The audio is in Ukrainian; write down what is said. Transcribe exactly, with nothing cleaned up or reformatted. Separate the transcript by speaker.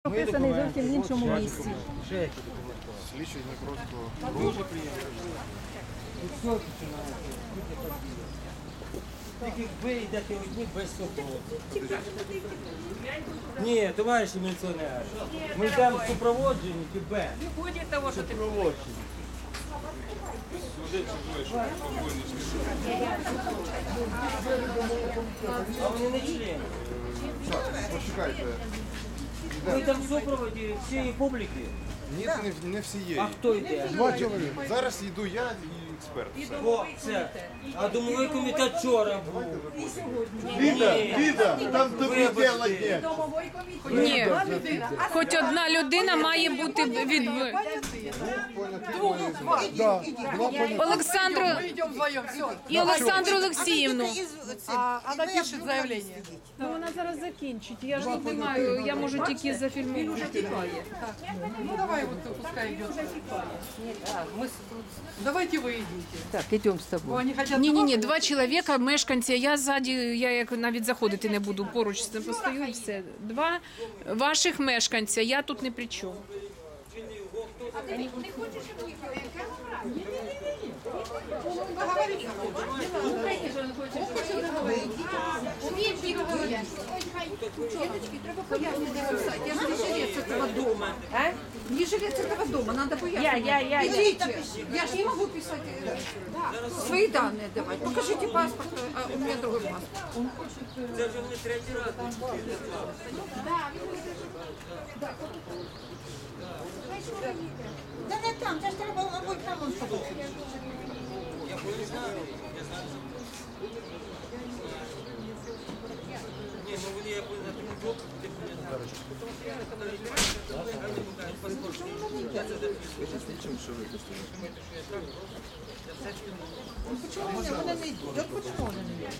Speaker 1: Прописаний зовсім в іншому місці.
Speaker 2: Слідчий не просто
Speaker 3: Дуже приємно. Тільки ви йдете одні без супротиву. Ні, товариші міліціонери, ми йдемо в супроводженні тебе.
Speaker 1: Не ходять того, що ти
Speaker 3: А вони не члени.
Speaker 2: почекайте.
Speaker 3: Ми йдемо в супроводі всієї публіки.
Speaker 2: Ні, не, не всієї.
Speaker 3: А хто йде?
Speaker 2: Зараз йду я і експерт. Все.
Speaker 3: О, це. А домовий комітет вчора був.
Speaker 4: Ліда,
Speaker 3: Ні.
Speaker 4: Ліда, там тобі діло є.
Speaker 5: Ні, хоч одна людина має бути від
Speaker 4: Да, два поняття.
Speaker 5: Олександру
Speaker 6: Идем вдвоем, все.
Speaker 5: і Олександру Олексіївну.
Speaker 6: А, она пишет заявление.
Speaker 5: Ну, вона зараз закінчить. Я ж не маю, я можу тільки зафільмувати.
Speaker 6: Ну давай вот пускай идет. Давайте вы идите.
Speaker 1: Так, йдемо з тобою.
Speaker 6: Они хотят.
Speaker 5: Ні, ні, ні, два чоловіка, мешканці. Я ззаді, я як навіть заходити не буду, поруч з ним постою і все. Два ваших мешканця, я тут не при чому.
Speaker 7: Треба пояснити написати. Я ж не жилец этого дома. Не жилец этого дома, надо пояснить.
Speaker 1: Я, я, я, я.
Speaker 7: Идите. Я ж не могу писать э, свои данные давать. Покажите паспорт, а у меня другой паспорт.
Speaker 3: Це вже вони третій раз.
Speaker 7: Да не там, це ж треба, мабуть, там он побачить.
Speaker 3: Я не знаю. Я знаю. Ні, ну вони як на тому блоку, де
Speaker 7: Чому вони не йдуть? От чому вони не йдуть?